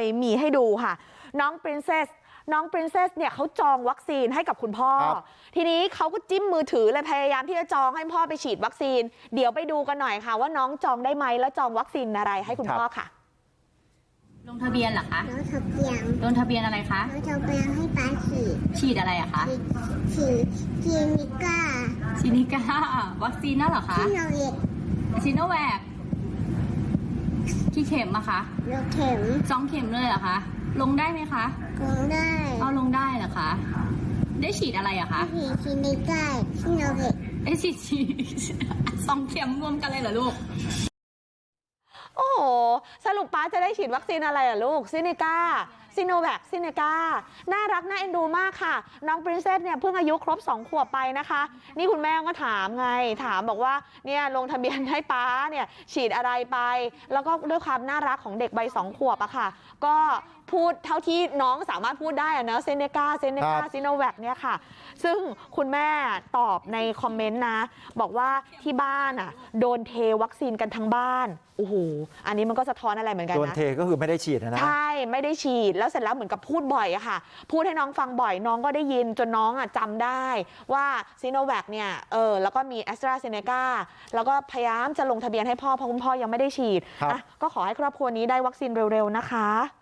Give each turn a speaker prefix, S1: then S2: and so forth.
S1: มีให้ดูค่ะน้องปรินเซสเนี่ยเขาจองวัคซีนให้กับคุณพ่อทีนี้เขาก็จิ้มมือถือเลยพยายามที่จะจองให้พ่อไปฉีดวัคซีนเดี๋ยวไปดูกันหน่อยค่ะว่าน้องจองได้ไหมแล้วจองวัคซีนอะไรให้คุณพ่อค่ะ
S2: ลงทะเบียนเหรอคะลงทะเบียนอะไรคะ
S3: ลงทะเบียนให้ป้า
S2: ฉีดอะไรอะคะ
S3: ฉีดซินิก้า
S2: วัคซีนนั่นเหรอคะซิโนแวคกี่เข็มอะคะ
S3: เข็ม
S2: 2 เข็มเลยเหรอคะลงได้ไหมคะ
S3: ลงได้
S2: ลงได้เหรอคะได้ฉีดอะไรอะคะ
S3: ฉีดซินิก้าซิโนแวค
S2: ฉีด2 เข็มรวมกันเลยเหรอลูก
S1: โอ้โหสรุปป้าจะได้ฉีดวัคซีนอะไรอ่ะลูกซินิก้าซิโนแวคซินิก้าน่ารักน่าเอ็นดูมากค่ะน้องปรินเซสเนี่ยเพิ่งอายุครบ2 ขวบไปนะคะนี่คุณแม่ก็ถามบอกว่าเนี่ยลงทะเบียนให้ป้าเนี่ยฉีดอะไรไปแล้วก็ด้วยความน่ารักของเด็กใบ2 ขวบอะค่ะก็พูดเท่าที่น้องสามารถพูดได้อะเนอะซินิก้าซิโนแวคเนี่ยค่ะซึ่งคุณแม่ตอบในคอมเมนต์นะบอกว่าที่บ้านอะโดนเทวัคซีนกันทั้งบ้านโอ้โหอันนี้มันก็สะท้อนอะไรเหมือนกันนะ
S4: โดนเทก็คือไม่ได้ฉีดนะ
S1: ใช่ไม่ได้ฉีดแล้วเสร็จแล้วเหมือนกับพูดบ่อยอะค่ะพูดให้น้องฟังบ่อยน้องก็ได้ยินจนน้องอะจำได้ว่าซิโนแวคเนี่ยแล้วก็มีแอสตราเซเนกาแล้วก็พยายามจะลงทะเบียนให้พ่อเพราะคุณพ่อยังไม่ได้ฉีดก็ขอให้ครอบครัวนี้ได้วัคซีนเร็วๆนะคะ